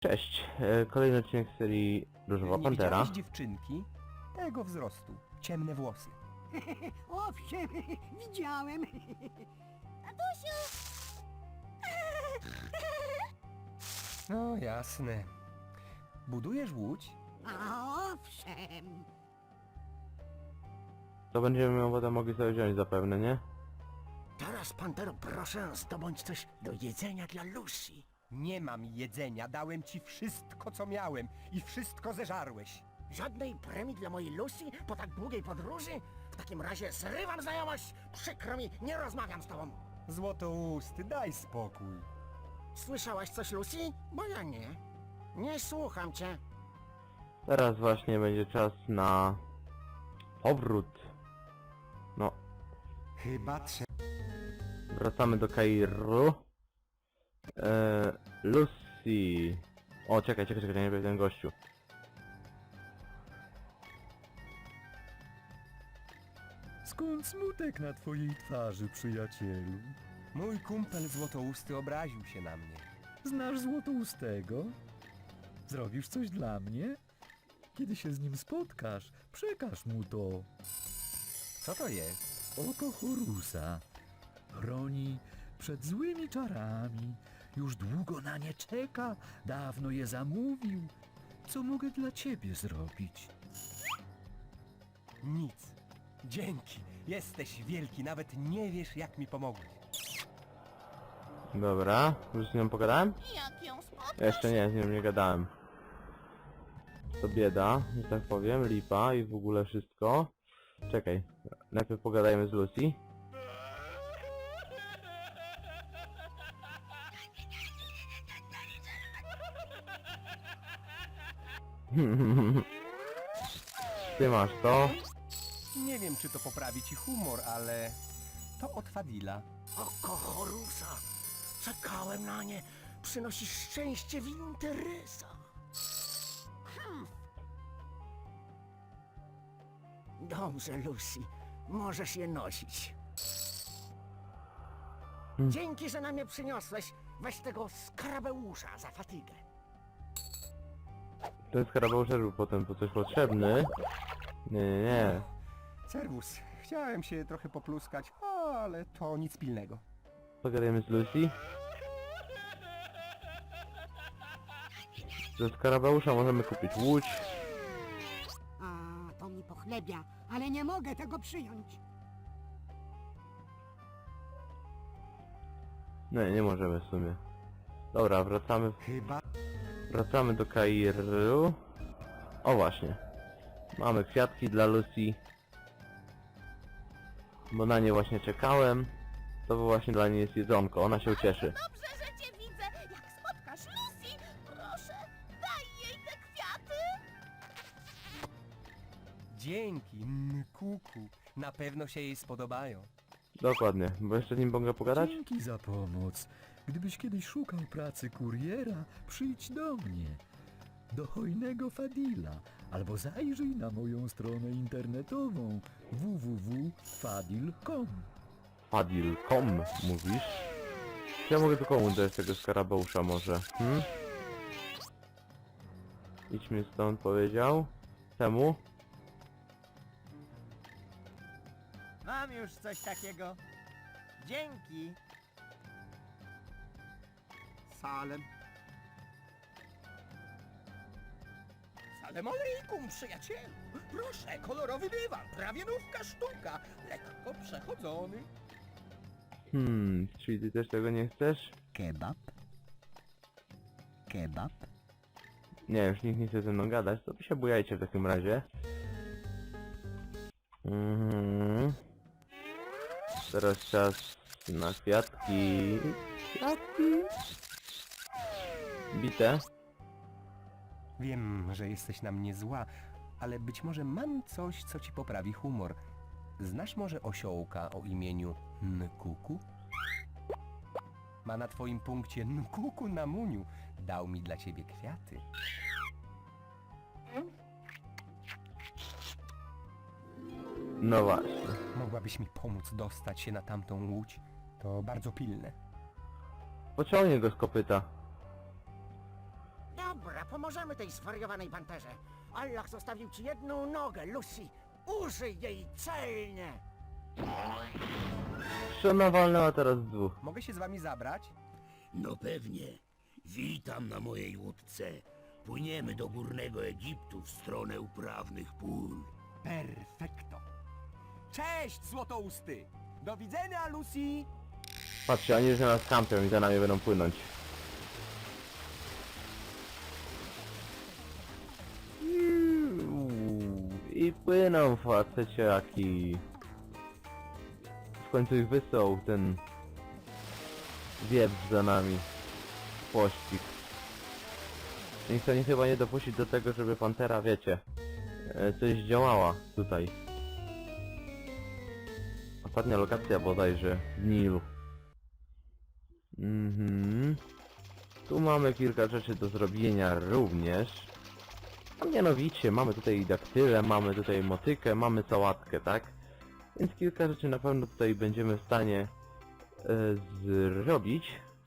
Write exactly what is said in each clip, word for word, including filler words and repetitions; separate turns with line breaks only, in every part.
Cześć, e, kolejny odcinek z serii Różowa
Nie
Pantera.
widziałeś dziewczynki? Tego wzrostu. Ciemne włosy.
Owszem, widziałem.
No jasne. Budujesz łódź?
A owszem.
To będziemy ją potem mogli sobie wziąć zapewne, nie?
Teraz, Pantero, proszę, zdobądź coś do jedzenia dla Lucy.
Nie mam jedzenia. Dałem ci wszystko, co miałem. I wszystko zeżarłeś.
Żadnej premii dla mojej Lucy po tak długiej podróży? W takim razie zrywam znajomość. Przykro mi, nie rozmawiam z tobą.
Złotousty, daj spokój.
Słyszałaś coś, Lucy? Bo ja nie. Nie słucham cię.
Teraz właśnie będzie czas na powrót. No,
Chyba trzeba...
wracamy do Kairu. E, Lucy. O, czekaj, czekaj, czekaj, nie wiem ten gościu.
Skąd smutek na twojej twarzy, przyjacielu?
Mój kumpel Złotousty obraził się na mnie.
Znasz Złotoustego? Zrobisz coś dla mnie? Kiedy się z nim spotkasz, przekaż mu to.
Co to jest?
Oko Horusa. Chroni przed złymi czarami. Już długo na nie czeka. Dawno je zamówił. Co mogę dla ciebie zrobić?
Nic. Dzięki. Jesteś wielki. Nawet nie wiesz, jak mi pomogłeś.
Dobra, już z nią pogadałem?
Jak ją spotkasz?
Jeszcze nie, z nią nie gadałem. To bieda, że tak powiem, lipa i w ogóle wszystko. Czekaj, najpierw pogadajmy z Lucy. Ty masz to.
Nie wiem, czy to poprawi ci humor, ale... To od Fadila.
Oko Horusa. Czekałem na nie. Przynosi szczęście w interesach. Hmm. Dobrze, Lucy. Możesz je nosić.
Hmm.
Dzięki, że na mnie przyniosłeś. Weź tego skarabeusza za fatygę.
Ten skarabeusz też był potem po coś potrzebny. Nie, nie, nie.
Serwus. Chciałem się trochę popluskać, ale to nic pilnego.
Pogadajmy z Lucy. Ze skarabeusza możemy kupić łódź.
A to mi pochlebia, ale nie mogę tego przyjąć.
Nie, nie możemy w sumie. Dobra, wracamy.
Chyba...
Wracamy do Kairu. O właśnie. Mamy kwiatki dla Lucy. Bo na nie właśnie czekałem. To właśnie dla niej jest jedzonko, ona się ucieszy.
Dobrze, że cię widzę. Jak spotkasz Lucy, proszę, daj jej te kwiaty.
Dzięki, Nkuku. Na pewno się jej spodobają.
Dokładnie, bo jeszcze z nim mogę pogadać?
Dzięki za pomoc. Gdybyś kiedyś szukał pracy kuriera, przyjdź do mnie. Do hojnego Fadila. Albo zajrzyj na moją stronę internetową w w w kropka fadil kropka com.
Fadil kropka com mówisz? Czy ja mogę tu komu dać tego skarabeusza może? Hmm? Idźmy stąd, powiedział. Temu?
Mam już coś takiego. Dzięki.
Salem. Salem alejkum, przyjacielu. Proszę, kolorowy dywan, prawie nówka sztuka. Lekko przechodzony.
Hmm, czyli ty też tego nie chcesz?
Kebab. Kebab.
Nie, już nikt nie chce ze mną gadać, to wy się bujajcie w takim razie. Mhm. Teraz czas na kwiatki. Kwiatki. Bite.
Wiem, że jesteś na mnie zła, ale być może mam coś, co ci poprawi humor. Znasz może osiołka o imieniu Nkuku? Ma na twoim punkcie Nkuku na muniu. Dał mi dla ciebie kwiaty.
No właśnie.
Mogłabyś mi pomóc dostać się na tamtą łódź? To bardzo pilne.
Pociągnie go z kopyta.
Dobra, pomożemy tej zwariowanej panterze. Allah zostawił ci jedną nogę, Lucy. Użyj jej celnie.
Szona walnęła teraz dwóch.
Mogę się z wami zabrać?
No pewnie. Witam na mojej łódce. Płyniemy do górnego Egiptu w stronę uprawnych pól.
Perfekto. Cześć, złotousty! Do widzenia, Lucy!
Patrzcie, oni już na nas kampią i za nami będą płynąć. Iuuu, I płyną faceciaki. W końcu ich wysłał ten wieprz za nami. Pościg. I chcą oni chyba nie dopuścić do tego, żeby Pantera, wiecie, e, coś działała tutaj. Ostatnia lokacja bodajże w Nilu. Mhm. Tu mamy kilka rzeczy do zrobienia również. A mianowicie mamy tutaj daktylę, mamy tutaj motykę, mamy sałatkę, tak? Więc kilka rzeczy na pewno tutaj będziemy w stanie e, zrobić.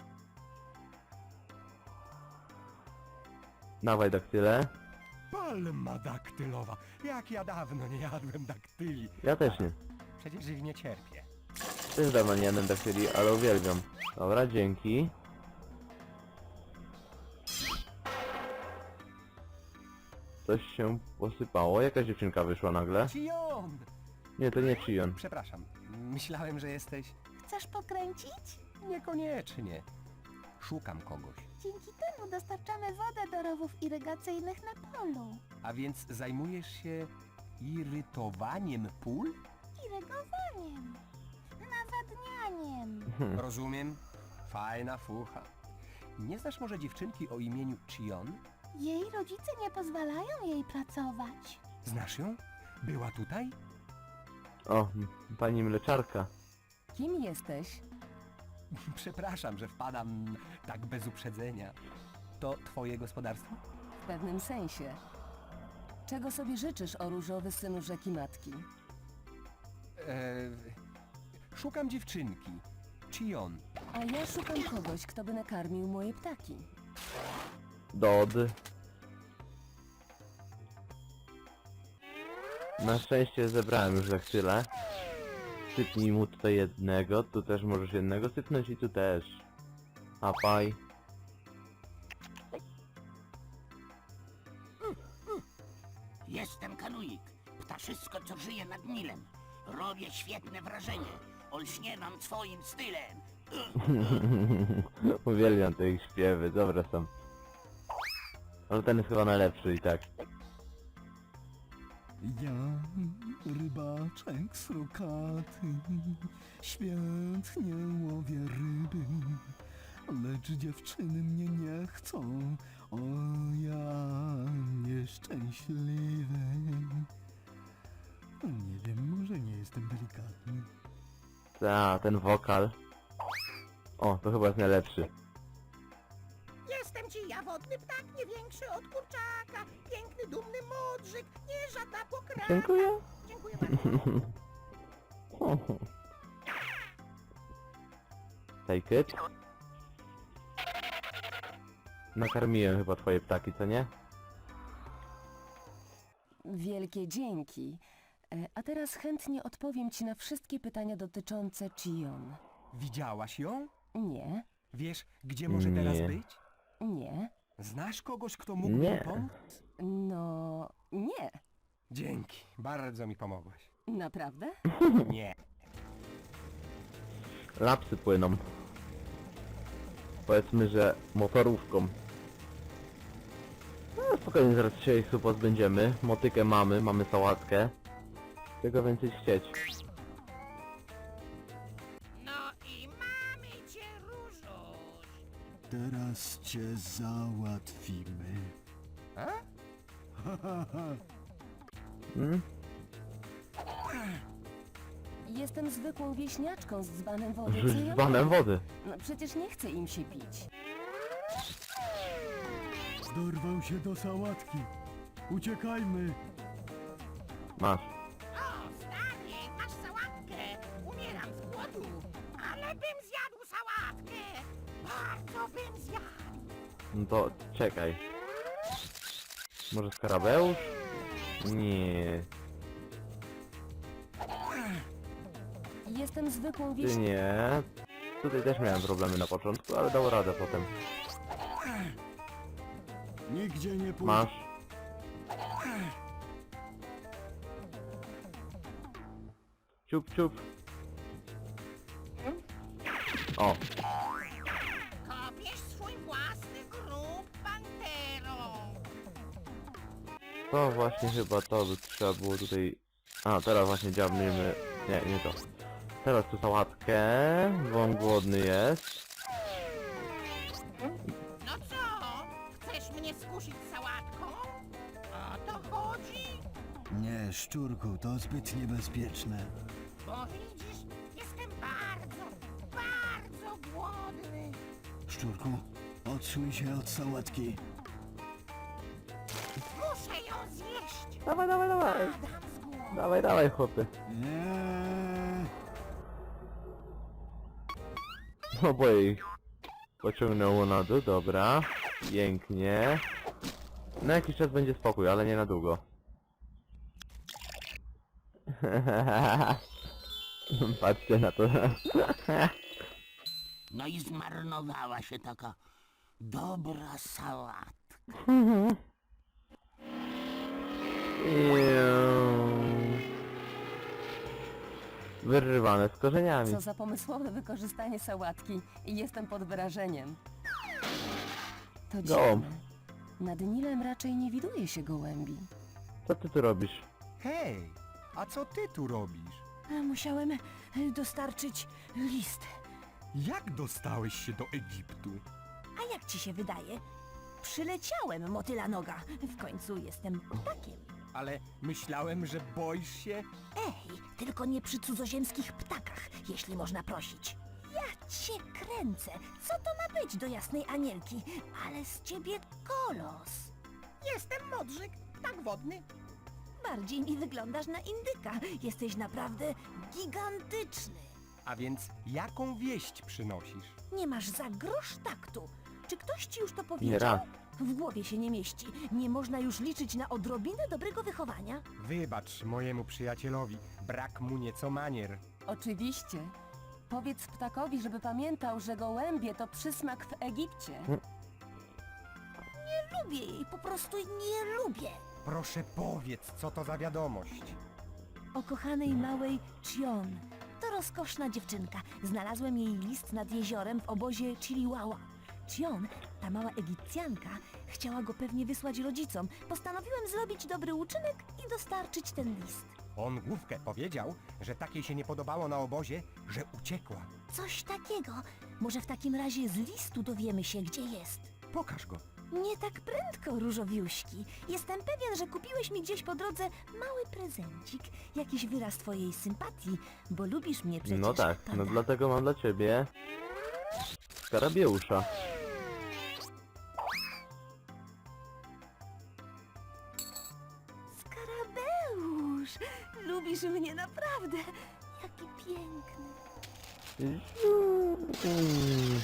Dawaj daktylę.
Palma daktylowa. Jak ja dawno nie jadłem daktyli.
Ja też nie.
Przecież ich nie cierpię.
Też dawno nie jadłem daktyli, ale uwielbiam. Dobra, dzięki. Coś się posypało. Jakaś dziewczynka wyszła nagle.
Cion!
Nie, to nie Chion.
Przepraszam, myślałem, że jesteś...
Chcesz pokręcić?
Niekoniecznie. Szukam kogoś.
Dzięki temu dostarczamy wodę do rowów irygacyjnych na polu.
A więc zajmujesz się irytowaniem pól?
Irygowaniem. Nawadnianiem.
Rozumiem. Fajna fucha. Nie znasz może dziewczynki o imieniu Chion?
Jej rodzice nie pozwalają jej pracować.
Znasz ją? Była tutaj?
O, pani mleczarka.
Kim jesteś?
Przepraszam, że wpadam tak bez uprzedzenia. To twoje gospodarstwo?
W pewnym sensie. Czego sobie życzysz, o różowy synu rzeki matki?
Eee, szukam dziewczynki. Chion.
A ja szukam kogoś, kto by nakarmił moje ptaki.
Dod. Na szczęście zebrałem już daktylę. Sypnij mu tutaj jednego, tu też możesz jednego sypnąć i tu też. Apaj.
Jestem Kanuik, ptaszysko, co żyje nad Nilem. Robię świetne wrażenie. Olśniewam swoim stylem.
Uwielbiam te ich śpiewy, dobre są. Ale ten jest chyba najlepszy i tak.
Ja, rybaczek srokaty, świetnie łowię ryby, lecz dziewczyny mnie nie chcą, o ja nieszczęśliwy. Nie wiem, może nie jestem delikatny.
Ta, ten wokal. O, to chyba jest najlepszy.
Jestem ci ja, wodny ptak, nie większy od kurczaka. Piękny, dumny modrzyk, nie żadna pokraka.
Dziękuję.
Dziękuję bardzo.
Take it. Nakarmiłem chyba twoje ptaki, co nie?
Wielkie dzięki. E, A teraz chętnie odpowiem ci na wszystkie pytania dotyczące Chion.
Widziałaś ją?
Nie,
Wiesz, gdzie może teraz
Nie.
być?
nie,
Znasz kogoś, kto mógłby
Nie.
mi pomóc?
no nie.
Dzięki, bardzo mi pomogłaś.
Naprawdę?
Nie.
Lapsy płyną. Powiedzmy, że motorówką. No spokojnie, zaraz się ich tu pozbędziemy. Motykę mamy, mamy sałatkę. Czego więcej chcieć?
No i mamy cię, Różuś.
Teraz cię załatwimy.
A?
Hmm?
Jestem zwykłą wieśniaczką z dzbanem wody. co
Rzuć
ja
dzbanem
mam?
wody.
No przecież nie chcę im się pić.
Dorwał się do sałatki. Uciekajmy.
Masz.
O, stary, masz sałatkę. Umieram z głodu. Ale bym zjadł sałatkę. Bardzo bym zjadł.
No to czekaj. Może skarabeusz? Nie.
Jestem zwykłą
Ty
wieś...
nie. Tutaj też miałem problemy na początku, ale dał radę potem.
Nigdzie nie pójdę.
Masz. Ciup, ciup. O,
Kopiesz swój własny grób, pantero.
to właśnie chyba to by trzeba było tutaj... A, teraz właśnie dziabniemy... Nie, nie to. Teraz tu sałatkę, bo on głodny jest.
No co? Chcesz mnie skusić sałatką? O to chodzi?
Nie, szczurku, to zbyt niebezpieczne.
Bo widzisz, jestem bardzo, bardzo głodny.
Szczurku, odsuń się od sałatki.
Muszę ją zjeść.
Dawaj, dawaj, dawaj.
Padam z głodu.
Dawaj, dawaj, chłopy.
Nie.
Oboje ich pociągnęło na dół, dobra. Pięknie. Na jakiś czas będzie spokój, ale nie na długo. Patrzcie na to.
No i zmarnowała się taka dobra sałatka.
Wyrywane z korzeniami.
Co za pomysłowe wykorzystanie sałatki. I jestem pod wrażeniem. To
Gołąb.
dziwne. Nad Nilem raczej nie widuje się gołębi.
Co ty tu robisz?
Hej, a co ty tu robisz?
Musiałem e, dostarczyć list.
Jak dostałeś się do Egiptu?
A jak ci się wydaje? Przyleciałem, motyla noga. W końcu jestem ptakiem.
Ale myślałem, że boisz się...
Ej, tylko nie przy cudzoziemskich ptakach, jeśli można prosić. Ja cię kręcę. Co to ma być do jasnej anielki? Ale z ciebie kolos.
Jestem modrzyk, ptak wodny.
Bardziej mi wyglądasz na indyka. Jesteś naprawdę gigantyczny.
A więc jaką wieść przynosisz?
Nie masz za grosz taktu. Czy ktoś ci już to
Nie
powiedział?
raz.
W głowie się nie mieści. Nie można już liczyć na odrobinę dobrego wychowania.
Wybacz mojemu przyjacielowi, brak mu nieco manier.
Oczywiście. Powiedz ptakowi, żeby pamiętał, że gołębie to przysmak w Egipcie.
Lubię jej, po prostu nie lubię.
Proszę powiedz, co to za wiadomość.
O kochanej małej Chion. To rozkoszna dziewczynka. Znalazłem jej list nad jeziorem w obozie Chiliwała. Chion, ta mała Egipcjanka, chciała go pewnie wysłać rodzicom. Postanowiłem zrobić dobry uczynek i dostarczyć ten list.
On główkę powiedział, że takiej się nie podobało na obozie, że uciekła.
Coś takiego. Może w takim razie z listu dowiemy się, gdzie jest.
Pokaż go.
Nie tak prędko, różowiuśki. Jestem pewien, że kupiłeś mi gdzieś po drodze mały prezencik. Jakiś wyraz twojej sympatii, bo lubisz mnie przecież,
No tak, no
prawda?
dlatego mam dla ciebie skarabeusza.
Skarabeusz! Lubisz mnie naprawdę. Jaki piękny.
Mm.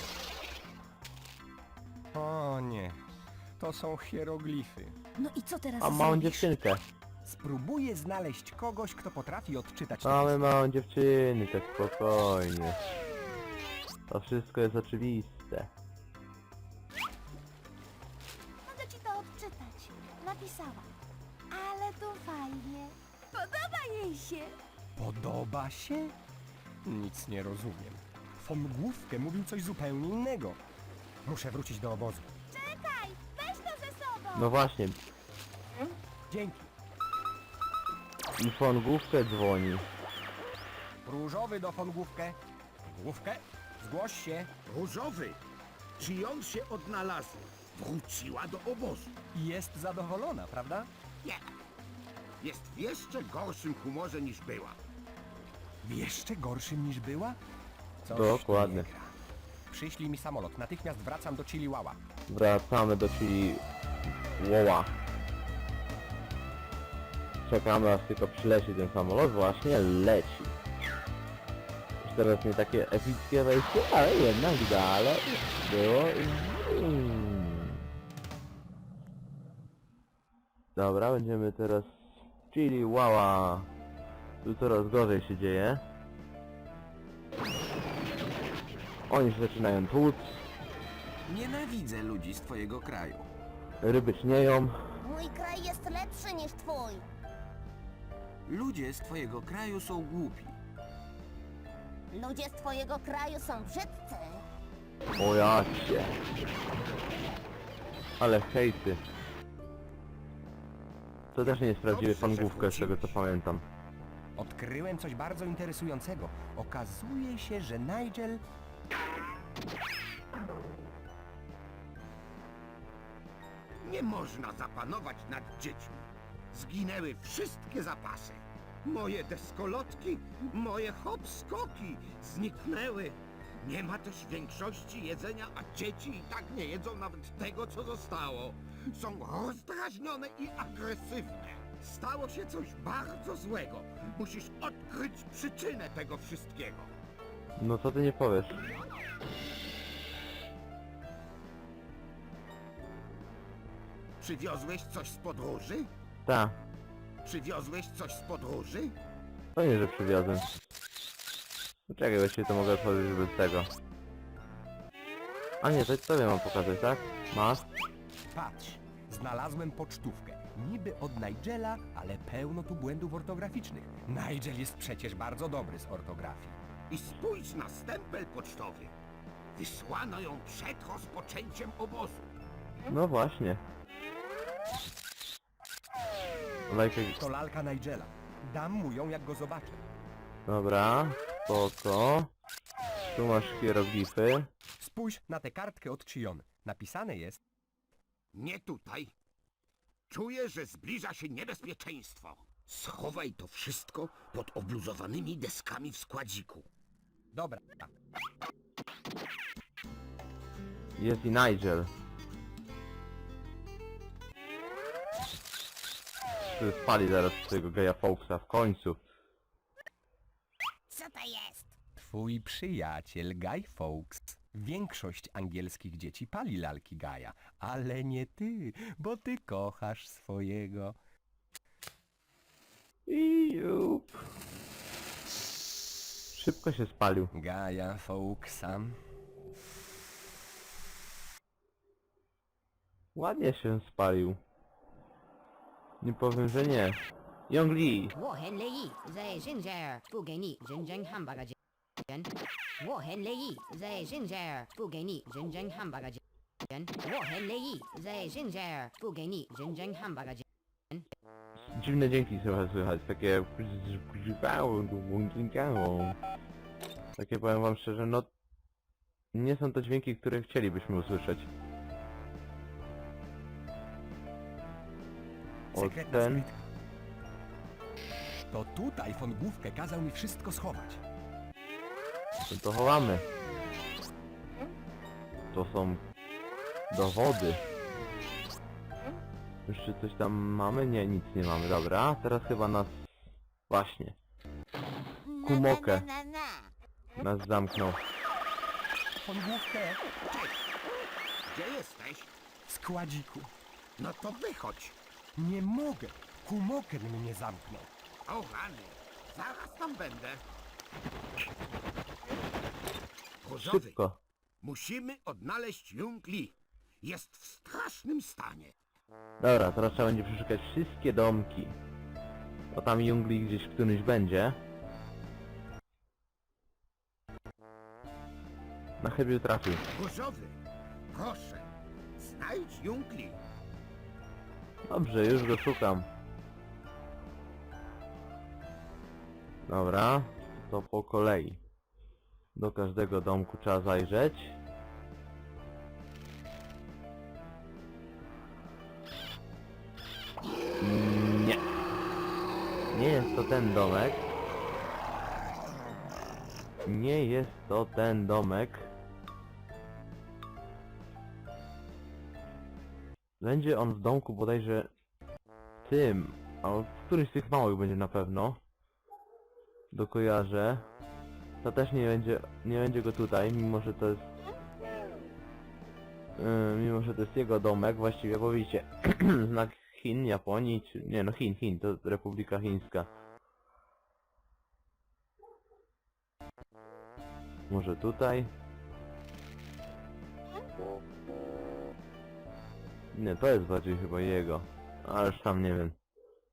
O nie, to są hieroglify.
No i co teraz
A małą
zrobisz?
dziewczynkę.
Spróbuję znaleźć kogoś, kto potrafi odczytać
Mamy
tekst.
małą dziewczynkę, spokojnie. To wszystko jest oczywiste.
Mogę ci to odczytać. Napisała. Ale to fajnie. Podoba jej się.
Podoba się? Nic nie rozumiem. Von Główkę mówił coś zupełnie innego. Muszę wrócić do obozu.
Czekaj, weź to ze sobą.
No właśnie,
Dzięki.
i von Główkę dzwoni.
Różowy do von Główkę. Główkę, zgłoś się.
Różowy! Czy ją się odnalazła? Wróciła do obozu.
I jest zadowolona, prawda?
Nie. Jest w jeszcze gorszym humorze niż była.
W jeszcze gorszym niż była? Coś
Dokładnie.
tu nie gra. Przyślij mi samolot. Natychmiast wracam do Chiliwała.
Wracamy do Chili Woła. Czekamy aż tylko przyleci ten samolot, właśnie leci. Już teraz nie takie epickie wejście, ale jednak dalej było. Mm. Dobra, będziemy teraz... Chili Wała. Tu coraz gorzej się dzieje. Oni się zaczynają tłuc.
Nienawidzę ludzi z twojego kraju.
Ryby śnieją.
Mój kraj jest lepszy niż twój.
Ludzie z twojego kraju są głupi.
Ludzie z twojego kraju są brzydcy.
O jacie. Ale hejty. To też nie jest prawdziwy
Dobrze,
pan
że
Główka, z tego co
wróciłeś.
pamiętam.
Odkryłem coś bardzo interesującego. Okazuje się, że Nigel...
Nie można zapanować nad dziećmi. Zginęły wszystkie zapasy. Moje deskolotki, moje hop-skoki zniknęły. Nie ma też większości jedzenia, a dzieci i tak nie jedzą nawet tego, co zostało. Są rozdrażnione i agresywne. Stało się coś bardzo złego. Musisz odkryć przyczynę tego wszystkiego.
No co ty nie powiesz?
Przywiozłeś coś z podróży?
Ta,
Przywiozłeś coś z podróży?
to nie, że przywiozłem. No czekaj, właściwie to mogę otworzyć bez tego. A nie, to tobie mam pokazać, tak? Masz?
Patrz, znalazłem pocztówkę. Niby od Nigela, ale pełno tu błędów ortograficznych. Nigel jest przecież bardzo dobry z ortografii.
I spójrz na stempel pocztowy. Wysłano ją przed rozpoczęciem obozu.
No właśnie. Lajkę...
To lalka Nigela. Dam mu ją, jak go zobaczę.
Dobra, spoko. Tu masz hieroglify.
Spójrz na tę kartkę od Chion. Napisane jest...
Nie tutaj. Czuję, że zbliża się niebezpieczeństwo. Schowaj to wszystko pod obluzowanymi deskami w składziku.
Dobra.
Jest i Nigel. Tu spali zaraz tego geja Fawkesa w końcu.
Co to jest?
Twój przyjaciel Guy Fawkes. Większość angielskich dzieci pali lalki Gaja, ale nie ty, bo ty kochasz swojego.
I jup. Szybko się spalił.
Gaja Fawkesa.
Ładnie się spalił. Nie powiem, że nie. Young Lee.
我很乐意在现在不给你认真汉堡的钱。我很乐意在现在不给你认真汉堡的钱。我很乐意在现在不给你认真汉堡的钱。
Dziwne dźwięki trochę słychać, takie... Takie powiem wam szczerze, no... Nie są to dźwięki, które chcielibyśmy usłyszeć. O
Sekretna
ten...
skrytka. To tutaj von Główkę kazał mi wszystko schować.
To, to chowamy. To są... dowody. Jeszcze coś tam mamy? Nie, nic nie mamy, dobra. Teraz chyba nas... Właśnie. Kumokę. Nas zamknął.
Von Główkę
Gdzie jesteś?
w składziku.
No to wychodź.
Nie mogę. Kumoken mnie zamknął.
O rany, zaraz tam będę. Różowy,
Szybko.
musimy odnaleźć Young Lee. Jest w strasznym stanie.
Dobra, teraz trzeba będzie przeszukać wszystkie domki. Bo tam Young Lee gdzieś w którymś będzie. Na chybił trafił.
Różowy, proszę, znajdź Young Lee.
Dobrze, już go szukam. Dobra, to po kolei. Do każdego domku trzeba zajrzeć. Nie. Nie jest to ten domek. Nie jest to ten domek. Będzie on w domku bodajże tym, a w którymś z tych małych będzie na pewno. Dokojarzę. To też nie będzie, nie będzie go tutaj, mimo że to jest... Yy, mimo że to jest jego domek, właściwie, bo widzicie, znak Chin, Japonii, czy... Nie no, Chin, Chin, to Republika Chińska. Może tutaj? Nie, to jest bardziej chyba jego. Ależ tam nie wiem.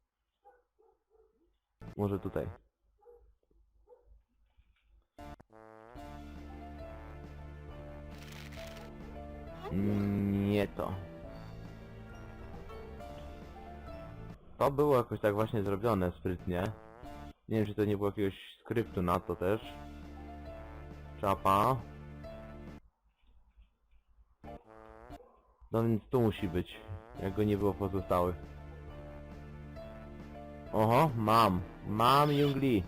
Może tutaj. Nie to. To było jakoś tak właśnie zrobione sprytnie. Nie wiem, czy to nie było jakiegoś skryptu na to też. Czapa. No więc tu musi być. Jak go nie było w pozostałych. Oho, mam. Mam Jungli.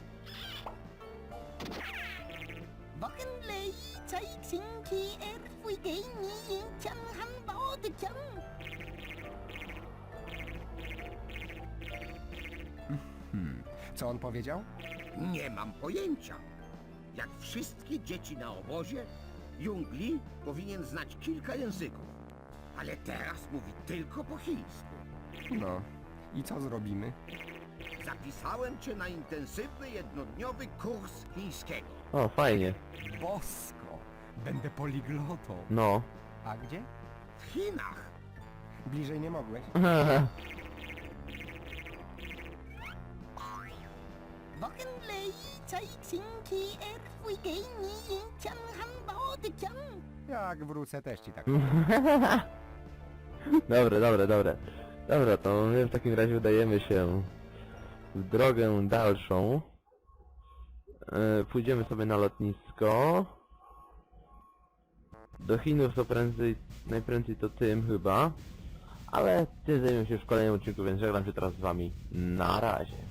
Wochenlei, Chai Xinki, Er Fui Gei Ni Yin Chan Han Bao De Chan.
Hmm. Co on powiedział?
Nie mam pojęcia. Jak wszystkie dzieci na obozie, Jung Li powinien znać kilka języków. Ale teraz mówi tylko po chińsku.
No. I co zrobimy?
Zapisałem cię na intensywny jednodniowy kurs chińskiego.
O, fajnie.
Bosko! Będę poliglotą.
No.
A gdzie?
W Chinach.
Bliżej nie mogłeś?
Wochenlei, Chai Xinki, Er Fui Gei Ni Yin Chan Han Bao De Chan.
Jak wrócę też ci tak.
Dobre, dobre, dobre. Dobra, to my w takim razie udajemy się w drogę dalszą. Yy, pójdziemy sobie na lotnisko. Do Chinów to prędzej, najprędzej to tym chyba. Ale tym zajmiemy się w kolejnym odcinku, więc żegnam się teraz z wami. Na razie.